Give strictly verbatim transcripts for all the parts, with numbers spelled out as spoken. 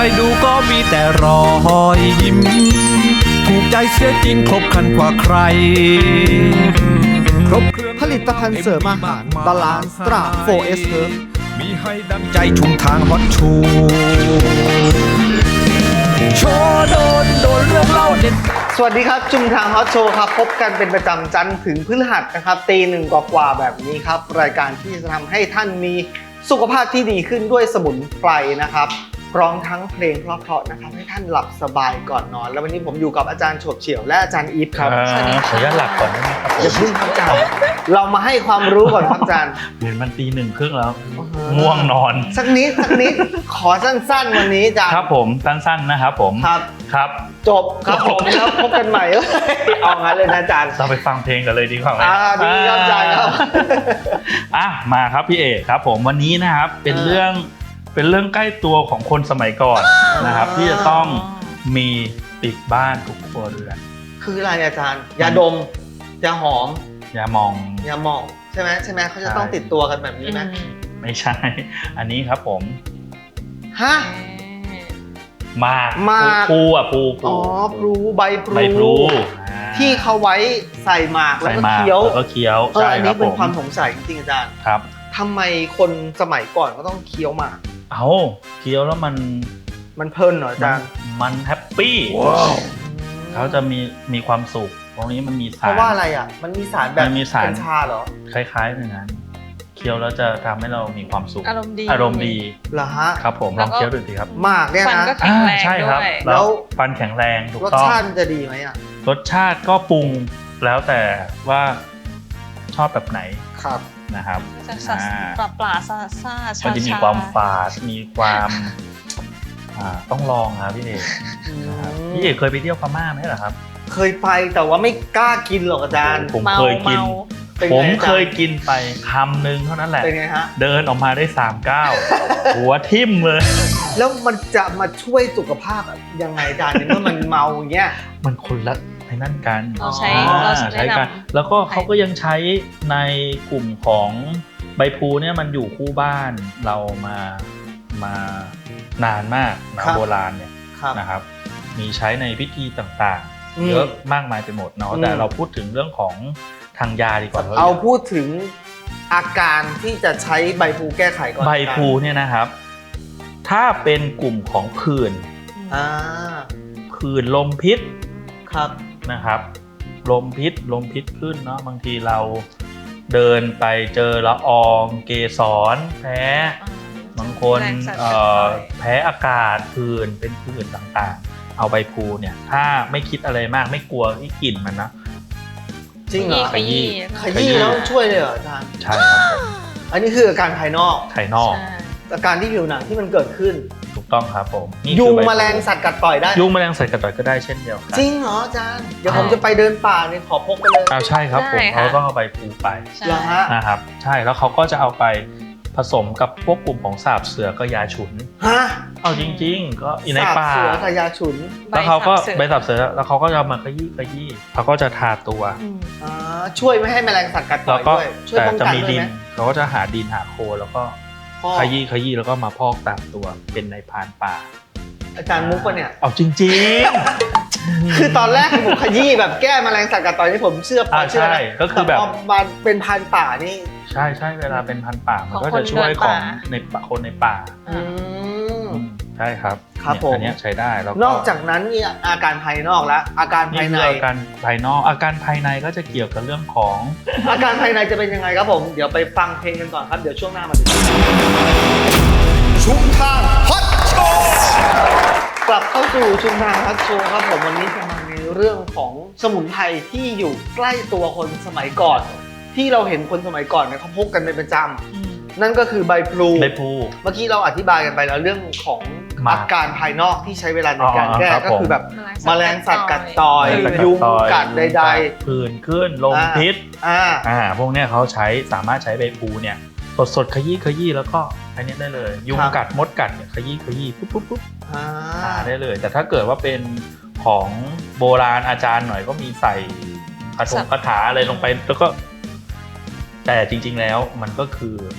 ดูก็มีแต่รอยยิ้มถูกใจเสียจริงครบครันกว่าใครครบเครื่องผลิตภัณฑ์เสริมอาหาร Balance Stra โฟร์ เอส Herb มีให้ดังใจชุมทางฮอตชูโชว์โดนโดนเรื่องเล่าเด็ดสวัสดีครับชุมทางฮอตโชว์ครับพบกันเป็นประจำจันทร์ถึงพฤหัสนะครับตีหนึ่งกว่าๆแบบนี้ครับรายการที่จะทำให้ท่านมีสุขภาพที่ดีขึ้นด้วยสมุนไพรนะครับพร้อมทั้งเพลงเพราะๆนะครับให้ท่านหลับสบายก่อนนอนแล้ววันนี้ผมอยู่กับอาจารย์โฉบเฉี่ยวและอาจารย์อีฟครับขออนุญาตหลับก่อนได้ไหมครับอย่าพึ่งครับอาจารย์เรามาให้ความรู้ก่อนครับอาจารย์เห็นมันตีหนึ่งครึ่งแล้วอือฮะง่วงนอนสักนิดสักนิดขอสั้นๆวันนี้อาจารย์ครับผมสั้นๆนะครับผมครับครับจบครับผมแล้วพบกันใหม่เลยเอางั้นเลยนะอาจารย์เราไปฟังเพลงกันเลยดีกว่าไหมอ่าดีครับอาจารย์ครับอ่ะมาครับพี่เอกครับผมวันนี้นะครับเป็นเออเรื่องเป็นเรื่องใกล้ตัวของคนสมัยก่อนนะครับอ่าที่จะต้องมีติดบ้านทุกครัวเรือนคืออะไรอาจารย์ยาดมยาหอมอย่ามองยาหมองใช่ไหมใช่ไหมเขาจะใช่ต้องติดตัวกันแบบนี้ไหมไม่ใช่ อันนี้ครับผมฮะหมากหมากพลูอ่ะพลูพลูอ๋อพลูใบพลูใบพลูอ่าที่เขาไว้ใส่หมากแล้วใส่ก็หมากเคี้ยวแล้วก็เคี้ยวเออใช่อันครันี้บเป็นผมความสงสัยจริงๆอาจารย์ครับทำไมคนสมัยก่อนก็ต้องเคี้ยวหมากเอาเคี้ยวแล้วมันมันเพลินเหรออาจารย์มันแฮปปี้เขาจะมีมีความสุขตรงนี้มันมีเพสารราะว่าอะไรอ่ะมันมีสารแบบมันมีสารกัญชาเหรอคล้ายๆอย่างนั้นเคี้ยวแล้วจะทำให้เรามีความสุขอารมณ์ดีอารมณ์ดีเหรอฮะครับผมแล้ลอวงก็เคี้ยวดูสิครับหมากเนี่ยฟันนะก็แข็งแรงอ่าใช่ครับด้วยแล้วฟันแข็งแรงถูกรสต้องชาติมันจะดีไหมอ่ะรสชาติก็ปรุงแล้วแต่ว่าชอบแบบไหนครับนะครับจะสัสอ่าปลาปลาซาซาชามันจะมีชาความฝาดมีความอ่าต้องลองครับพี่เอกอืมนะครับพี่เอกเคยไปเที่ยวพม่าไหมเหรอครับเคยไปแต่ว่าไม่กล้ากินหรอกอาจารย์ผมเมาเคยกินเมาเป็นผไงมอาจารเคยกินไปคำหนึ่งเท่านั้นแหละเป็นไงฮะเดินออกมาได้สามเก้าว หัวทิ่มเลยแล้วมันจะมาช่วยสุขภาพยังไงอาจารย์ในเมื่อมันเมาอย่างเงี้ยมันคนละในนั่นกันเราใช้อ๋อเราอ่าใช้ใช้กันแนะนำแล้วก็เขาก็ยังใช้ในกลุ่มของใบพลูเนี่ยมันอยู่คู่บ้านเรามามานานมากนะโบราณเนี่ยครับนะครับ มีใช้ในพิธีต่างอืมๆ เยอะมากมายไปหมดเนาะอืมแต่เราพูดถึงเรื่องของทางยาดีกว่าเอาพูดถึงอาการที่จะใช้ใบพลูแก้ไขก่อนใบพลูเนี่ยนะครับ ถ้าเป็นกลุ่มของผื่นอ่าผื่นลมพิษครับนะครับ ลมพิษลมพิษขึ้นเนาะบางทีเราเดินไปเจอละอองเกสรแพ้ บางคนแรงสั่นเอ่อสะท้อนแพ้อากาศผื่นเป็นผื่นต่างๆ เอาใบพลูเนี่ยถ้าไม่คิดอะไรมากไม่กลัวที่กลิ่นมันนะจริงเหรอขยี้ขยี้แล้วช่วยเลยเหรออาจารย์ใช่ครับผมอันนี้คืออาการภายนอกภายนอกใช่อาการที่ผิวหนังที่มันเกิดขึ้นถูกต้องครับผมนี่ยุคืงอใบพแมลงสัตว์กัดต่อยได้ยุงแมลงสัตว์กัดต่อยก็ได้เช่นเดียวกันจริงเหรออาจารย์ เดี๋ยวใช่ผมจะไปเดินป่าเนี่ยขอพกไปเลยอ้าวใช่ครับผมเขาต้องเอาใบพลูไปใช่เหรอฮะนะครับใช่แล้วเขาก็จะเอาไปผสมกับพวกกลุ่มของสาบเสือก็ยาฉุนฮะเอาจริง ๆ ก็อีในป่าสบเสือกับยาฉุนแล้วเขาก็ใบใบสัสับบ เสืเสืออแล้วเขาก็จะเอามาขยี้ขยี้เขาก็จะทาตัวอืมอ่าช่วยไม่ให้แมลงสัตว์กัดต่แล้อวย ก็ด้วย ช่วยแต่ป้องจะกันมีด้วยดิไหนมเขาก็จะหาดินหาโคลนแล้วก็พ่อขยี้ขยี้แล้วก็มาพอกตามตัวเป็นในพรานป่าอาจารย์มุกปะเนี่ยเอาจริงๆคือตอนแรกผมขยี้แบบแก้แมลงสัตว์กัดต่อยนี่ผมเชื่อพออ่าเชื่อใช่นะก็คือแบบต่พอมาเป็นพันธุ์ป่านี่ใช่ใช่เวลาเป็นพันธุ์ป่ามันของก็คจะนช่วยเดินของป่าในป่าคนในป่าอืมอืมใช่ครับครับเนี่ยผมอันเนี้ยใช้ได้แล้วก็นอกจากนั้นนี่อาการภายนอกแล้ว อาการนี่ภายคืในออาการภายนอกอาการภายในก็จะเกี่ยวกับเรื่องของอาการภายในจะเป็นยังไงครับผม เดี๋ยวไปฟังเพลงกันก่อนครับ เดี๋ยวช่วงหน้ามาดูชุมทางฮอตโชว์กลับเข้าสู่ชุมทางฮอตโชว์ครับผมวันนี้จะมาในเรื่องของสมุนไพรที่อยู่ใกล้ตัวคนสมัยก่อน ที่เราเห็นคนสมัยก่อนเนี่ยเขาพกกันเป็นประจอืมำนั่นก็คือใบพลูใบพลูเมื่อกี้เราอธิบายกันไปแล้วเรื่องของมาอาการภายนอกที่ใช้เวลาในการแก้อ๋อครับก็คือแบบแมแมลลงงสัสัตตว์ว์กักัดดต่ต่ออย ยยุยุงงกักัดดใดใดผื่นขึ้นลมอ่าพิษๆอ่าอ่าพวกเนี้ยเขาใช้สามารถใช้ใบพลูเนี่ยสดสดๆขยี้ขยี้แล้วก็อันเนี้ยได้เลย ยุงครับกัดมดกัดเนี่ยขยี้ขยี้ปุ๊บปุ๊บปุ๊บอ่าทาได้เลย แต่ถ้าเกิดว่าเป็นของโบราณอาจารย์หน่อยก็มีใส่คาถงคาถาอะไรลงไปแล้วก็ แต่จริง ๆแล้วมันก็คือใบ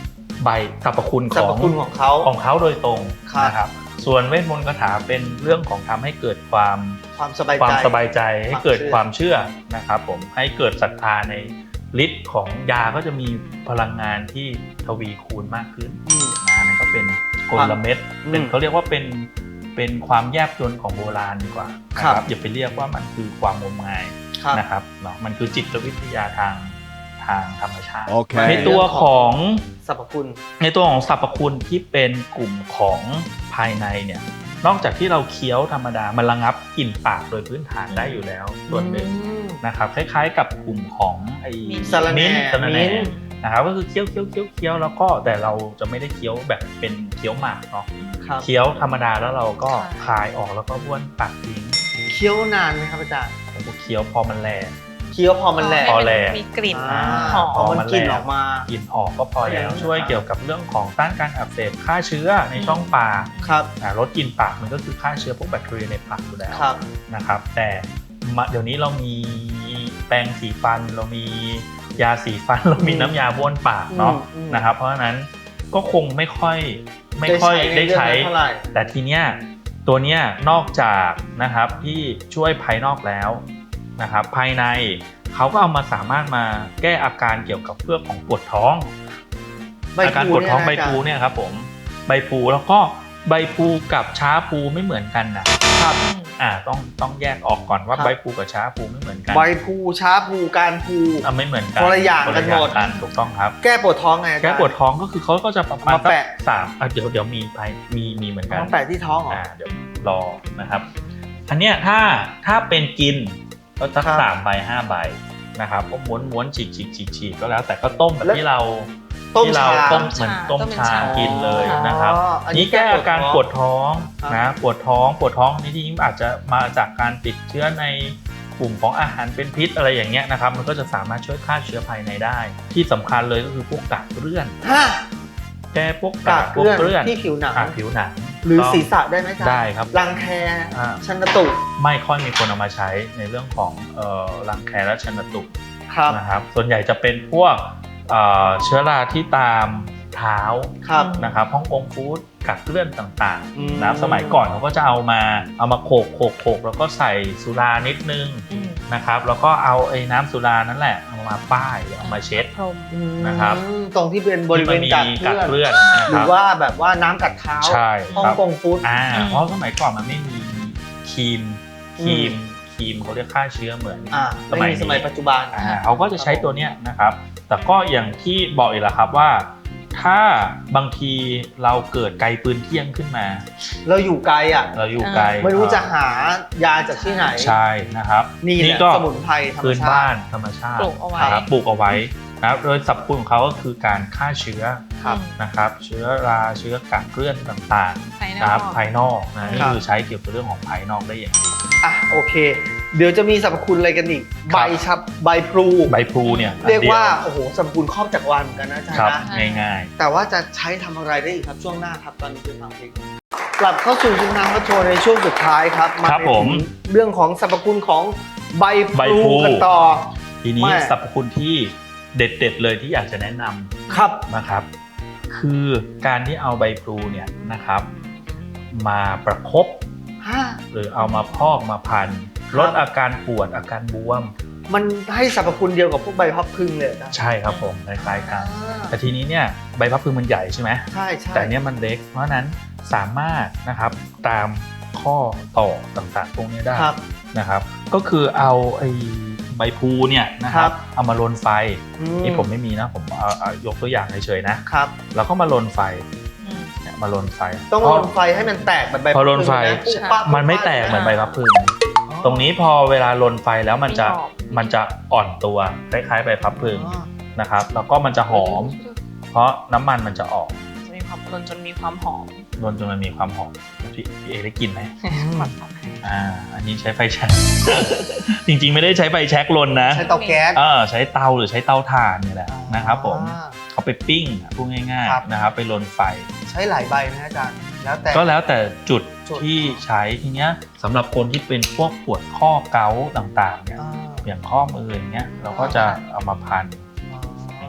ใบสรรพคุณสรขรอพงคุณของเขาของเขาโดยตรงครับนะครับส่วนเวทมนต์คาถาเป็นเรื่องของทำให้เกิดความความสบายใจความสบายใจให้เกิดความ มคาวเชื่เชื่ออนะครับผมให้เกิดศรัทธาในฤทธิ์ของยาก็จะมีพลังงานที่ทวีคูณมากขึ้นอืมนะนั่นก็เป็นกลเม็ดอืมเป็นเขาเรียกว่าเป็นเป็นความแยบยลของโบราณดีกว่านะครับอย่าไปเรียกว่ามันคือความงมงายครับนะครับเนาะมันคือจิตวิทยาทางทางธรรมชาติ Okay. ในตัวของสรรพคุณในตัวของสรรพคุณที่เป็นกลุ่มของภายในเนี่ยนอกจากที่เราเคี้ยวธรรมดามันระงับกลิ่นปากโดยพื้นฐานได้อยู่แล้วส่วนหนึ่งอืมนะครับคล้ายๆกับกลุ่มของไอ้มิ้นท์สะระแหน่มิ้นท์สะระแหน่มิ้นท์นะครับก็คือเคี้ยวเคี้ยวเคี้ยวเคี้ยวแล้วก็แต่เราจะไม่ได้เคี้ยวแบบเป็นเคี้ยวหมากเนาะครับเคี้ยวธรรมดาแล้วเราก็ค่ะคายออกแล้วก็บ้วนปากทิ้งเคี้ยวนานไหมครับอาจารย์ผมก็เคี้ยวพอมันแลเคี้ยวพอมันแหลกพอให้แลมีกลิ่นอ่าหอมพอมันกลิ่นออกมากลิ่นออกก็พอแล้วอืมช่วยเกี่ยวกับเรื่องของต้านการอักเสบฆ่าเชื้อในช่องปากครับอ่าลดกลิ่นปากมันก็คือฆ่าเชื้อพวกแบคทีเรียในปากอยู่แล้วครับนะครับแต่มาเดี๋ยวนี้เรามีแปรงสีฟันเรามียาสีฟัน เรามีน้ำยาบ้วนปากเนาะอืมอืมนะครับเพราะฉะนั้นก็คงไม่ค่อยไม่ค่อยได้ใช้เท่าไหร่แต่ทีเนี้ยตัวเนี้ยนอกจากนะครับที่ช่วยภายนอกแล้วนะครับภายในเขาก็เอามาสามารถมาแก้อาการเกี่ยวกับเรื่องของปวดท้องใบอาการพลูปวดท้องเนี่ยนะใบพลูเนี่ยครับผมใบพลูแล้วก็ใบพลูกับช้าพลูไม่เหมือนกันนะครับ อ่าต้องต้องแยกออกก่อนว่าครับใบพลูกับช้าพลูไม่เหมือนกันใบพลูช้าพลูการพลูอ่ะไม่เหมือนกันคนละอย่างคกันหมดกันถูกต้องครับแก้ปวดท้องไงอาจารย์แก้ปวดท้องก็คือเขาก็จะประมาณมาแปะสักสามอ่ะเดี๋ยวเดี๋ยวมีไปมีมีเหมือนกันมาแปะที่ท้องเหรออ่าเดี๋ยวรอนะครับอันเนี้ยถ้าถ้าเป็นกินก็สักครับสามใบห้าใบนะครับก็ม้วนม้วนฉีกฉีกฉีกฉีกก็แล้วแต่ก็ต้มแบบแล้วที่เราต้มที่เราชาต้มเหมือนต้มต้มเป็นชาชากินเลยนะครับอ๋ออันนี้นี่แก้อาการแก้ปปววดดท้ท้ออง งนะปวดท้องปวดท้องนี่ที่อาจจะมาจากการติดเชื้อในกลุ่มของอาหารเป็นพิษอะไรอย่างเงี้ยนะครับมันก็จะสามารถช่วยฆ่าเชื้อภายในได้ ที่สำคัญเลยก็คือพวกกากเลื่อนฮะแก้พวกกากพวกเกลื่เลื่ออน นที่ผิวหนังอ่ะผิวหนังหรือต้องศีรษะได้ไหมอาจารย์ได้ครับรังแคอ่าชันตุไม่ค่อยมีคนเอามาใช้ในเรื่องของเอ่อรังแคและชันตุครับนะครับส่วนใหญ่จะเป็นพวกเอ่อเชื้อราที่ตามเท้าครับนะครับฮ่องกงฟู้ดกัดเลื่อนต่างอืมๆนะสมัยก่อนเขาก็จะเอามาเอามาโขกโขกโขกแล้วก็ใส่สุรานิดนึงอืมนะครับแล้วก็เอาไอ้น้ำสุรานั่นแหละเอามาป้ายหรือเอามาเช็ดพรมนะครับอืมตรงที่เป็นบริเวณที่กัมัดนมีเลื่อนเลื่อนนะหครืรัอบ ว่าแบบว่าน้ำกัดเท้าใช่ฮ่องครับกงฟู้ดอ่าอืมเพราะสมัยก่อนมันไม่มีครีมครีมครีมเขาเรียกฆ่าเชื้อเหมือนอ่าสไม่มัยมีนี้สมัยปัจจุบันอ่าเขาก็จะใช้ตัวเนี้ยนะครับ แต่ก็อย่างที่บอกอีกแล้วครับว่า ถ้าบางทีเราเกิดไกลปืนเที่ยงขึ้นมาเราอยู่ไกลอ่ะเราอยู่ไกลไม่รู้จะหายาจากที่ไหนใช่นะครับนี่แหละก็สมุนไพรธรรมพื้นชาบ้าตินธรรมชาติปลูกเอาไว้นะครับปลูกเอาไว้นะครับโดยสรรพคุณของเขาก็คือการฆ่าเชื้อครับนะครับ เชื้อราเชื้อกากเกลื่อนต่างภายๆนนะอครักบภายนอกนะนี่ครับคือใช้เกี่ยวกับเรื่องของภายนอกได้อย่างดีอ่ะโอเค เดี๋ยวจะมีสรรพคุณอะไรกันอีกครัใบบ ชับใบพลูใบพลูเนี่ยเรียกว่าอันโอ้โหสรรพคุณครอบจักรวาลเหมือนกันนะอาจารเดียวย์ครับนะง่ายแต่ว่าจะใช้ทำอะไรได้อีกครับช่วงหน้าครับตอนนี้เป็นฟังเพลงกลับเข้าสู่ชุมทางพัฒโชว์ในช่วงสุดท้ายครับครับในผมเรื่องของสรรพคุณของใบพใบลูพลูกันต่อๆ ทีนี้ไม่สรรพคุณที่เด็ดๆเลยที่อยากจะแนะนำครับนะครับคือการที่เอาใบพลูเนี่ยนะครับมาประคบฮะหรือเอามาพอกมาพันครับลดอาการปวดอาการบวมมันให้สรรพคุณเดียวกับพวกใบพับพึ่งเลยนะใช่ครับผมคล้ายๆกันอ่าแต่ทีนี้เนี่ยใบพับพึงมันใหญ่ใช่ไหมใช่ใช่แต่อันเนี้ยมันเล็กเพราะฉะนั้นสามารถนะครับตามข้อต่อต่างๆพวกนี้ได้ครับนะครับก็คือเอาไอ้ใบพลูเนี่ยนะคครัรับบ เอามาลนไฟอืนี่ผมไม่มีนะผมเอาเอายกตัวอย่างเฉยๆนะครับ แล้วก็มาลนไฟอืมเนี่ยมาลนไฟต้องเพลราะนไฟให้มันแตกเหมือนใบพอลนไฟพับพึ่งะปุ๊บปั๊บมันไม่แตกเหมือนใบพับพึง ตรงนี้พอเวลาลนไฟแล้วมันจะมีหอมมันจะอ่อนตัวคล้ายๆใบพับพึงอ๋อนะครับแล้วก็มันจะหอม เพราะน้ำมันมันจะออกจะมีความรนจนมีความหอมลนจนมันมีความหอมพี่พี่เอได้กลินไหมหมักให้อ่าอันนี้ใช้ไฟแช็ก จริงๆไม่ได้ใช้ไฟแช็กลนนะใช้เตาแก๊สเออใช้เตาหรือใช้เตาถ่านเนี่ยแหละนะครับผมอ่าเขาไปปิ้งอ่ะพูดง่ายครับๆนะครับไปลนไฟใช้หลายใบนะอาจารย์แล้วแต่ก็แล้วแต่จุดจุดที่ใช้ทีเนี้ยสำหรับคนที่เป็นพวกปวดข้อเกาต์ต่างๆเนี่ยอ่าอย่างข้อมืออย่างเงี้ยเราก็จะเอามาพันอ๋อ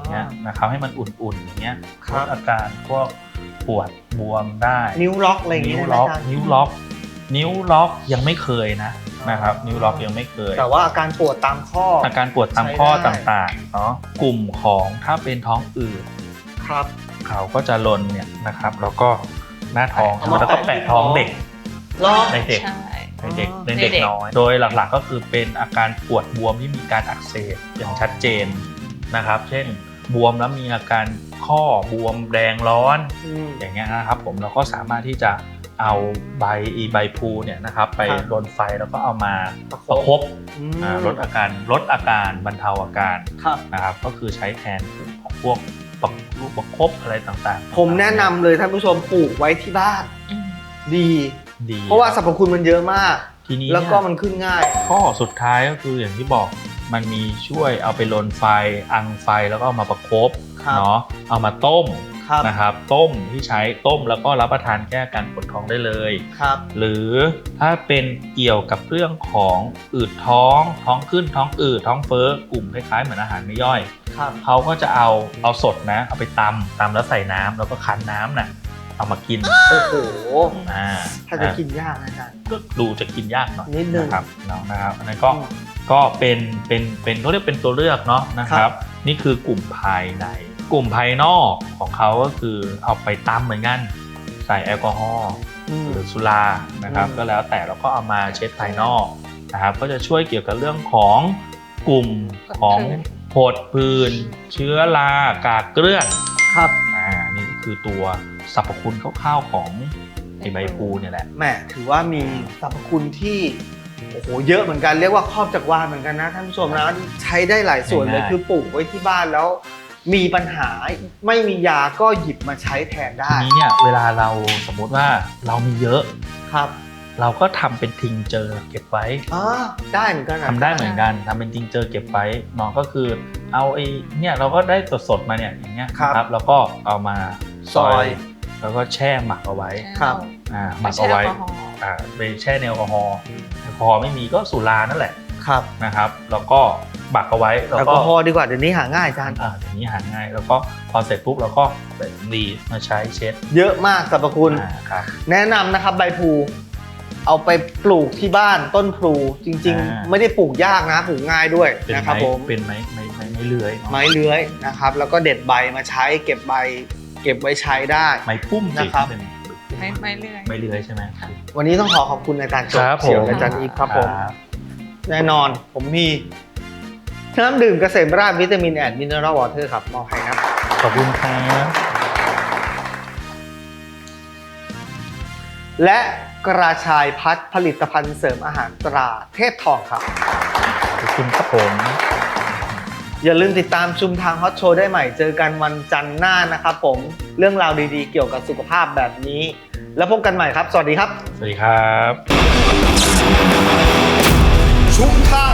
อย่างเงี้ยนะครับให้มันอุ่นๆอย่างเงี้ยครัลบดอาการพวกปวดบวมได้นิ้วล็อกอะไรอย่างนิ้งี้วได้ไหมล็อกอาจารย์นิ้วล็อกนิ้วล็อกยังไม่เคยนะนะครับนิ้วล็อกยังไม่เคยแต่ว่าอาการปวดตามข้ออาการปวดตามข้อใช้ได้ต่างๆเนาะกลุ่มของถ้าเป็นท้องอืดครับเขาก็จะลนเนี่ยนะครับแล้วก็หน้าท้องเอามาแล้วก็แปะแปะท้องที่ท้องเด็กล็อกในเด็กใช่ในเด็กอ๋อในเด็กในเด็กน้อย โดยหลักๆก็คือเป็นอาการปวดบวมที่มีการอักเสบอย่างชัดเจนนะครับ เช่นบวมแล้วมีอาการข้อบวมแดงร้อนอืมอย่างเงี้ยนะครับผมเราก็สามารถที่จะเอาใบอีใบพลูเนี่ยนะครับไปครับรนไฟแล้วก็เอามาประคบประคบอืมอ่าลดอาการลดอาการบรรเทาอาการครับนะครับก็คือใช้แทนของพวกประลูกประคบอะไรต่างๆผมแนะนำเลยท่านผู้ชมปลูกไว้ที่บ้านอืมดีดีเพราะว่าสรรพคุณมันเยอะมากทีนี้แล้วก็เนี่ยมันขึ้นง่ายข้อสุดท้ายก็คืออย่างที่บอกมันมีช่วยเอาไปลนไฟอังไฟแล้วก็เอามาประคบครับเนาะเอามาต้มครับนะครับต้มที่ใช้ต้มแล้วก็รับประทานแก้อาการปวดท้องได้เลยครับหรือถ้าเป็นเกี่ยวกับเรื่องของอืดท้องท้องขึ้นท้องอืดท้องเฟ้อกลุ่มคล้ายๆเหมือนอาหารไม่ย่อยครับเขาก็จะเอาเอาสดนะเอาไปตำตำแล้วใส่น้ำแล้วก็คั้นน้ำน่ะเอามากินโอ้โหอ่าถ้าจะกินยากนะอาจารย์ก็ดูจะกินยากหน่อยนิดนึงนะครับเนาะนะครับอันนั้นก็อืมก็เป็นเป็นเป็นเขาเรียกเป็นตัวเลือกเนาะนะคครัรับบนี่คือกลุ่มภายใน กลุ่มภายนอกของเขาก็คือเอาไปตำเหมือนกันใส่แอลกอฮอล์อืมหรือสุรานะครับอืมก็แล้วแต่เราก็เอามาเช็ดภายนอกนะครับก็จะช่วยเกี่ยวกับเรื่องของกลุ่มของผดผื่นเชื้อรากากเกลื่อนครับอ่านี่ก็คือตัวสรรพคุณคร่าวๆของไอใบพลูเนี่ยแหละแหมถือว่ามีสรรพคุณที่โอ้โหเยอะเหมือนกันเรียกว่าครอบจักรวาลเหมือนกันนะท่านผู้ชมนะใช้ได้หลายส่วนเลยง่ายๆคือปลูกไว้ที่บ้านแล้ว มีปัญหาไม่มียาก็หยิบมาใช้แทนได้ทีนี้เนี่ยเวลาเราสมมุติว่าเรามีเยอะครับเราก็ทำเป็นทิงเจอเก็บไว้อ๋อได้เหมือนกันนะทำได้เหมือนกันทำเป็นทิงเจอเก็บไว้เนาะก็คือเอาไอ้เนี่ยเราก็ได้สดๆมาเนี่ยอย่างเงี้ยนะครับแล้วก็เอามาซอย แล้วก็แช่หมักเอาไว้ครับอ่าหไม่มักใช่เอาแอลไว้กอฮอล์อ่าไปแช่ในแอลกอฮอล์แอลกอฮอล์ไม่มีก็สุรานั่นแหละครับนะครับแล้วก็หมักเอาไว้แล้วแอลก็กอฮอล์ดีกว่าเดี๋ยวนี้หาง่ายอาจารย์อ่าเดี๋ยวนี้หาง่ายแล้วก็พอเสร็จปุ๊บเราก็ใส่สำลีมาใช้เช็ดเยอะมากสรรพคุณอ่าครับแนะนำนะครับใบพลูเอาไปปลูกที่บ้านต้นพลูจริงอ่าๆ ไม่ได้ปลูกยากนะปลูกง่ายด้วยเป็นนะครับไม้ผมเป็นไม้ไม้ไม้ไม้เลื้อยเนอะไม้เลื้อยนะครับ แล้วก็เด็ดใบมาใช้เก็บใบ เก็บไว้ใช้ได้ไม้พุ่มสินะครับเป็นไม่ไม่เรื่อยไม้เลื้อยใช่ไหมวันนี้ต้องขอขอบคุณอาจารย์จบครับผมเฉียวและอาจารย์อีฟครับผมครับแน่นอนผมมีน้ำดื่มเกษมราชวิตามินแอนด์มินเนอรัลวอเตอร์ครับมอบให้นะขอบคุณครับและกระชายพัดผลิตภัณฑ์เสริมอาหารตราเทพทองครับขอบคุณครับผมอย่าลืมติดตามชุมทางฮอตโชว์ได้ใหม่เจอกันวันจันทร์หน้านะครับผมเรื่องราวดีๆ เกี่ยวกับสุขภาพแบบนี้ แล้วพบกันใหม่ครับ สวัสดีครับสวัสดีครับชุมทาง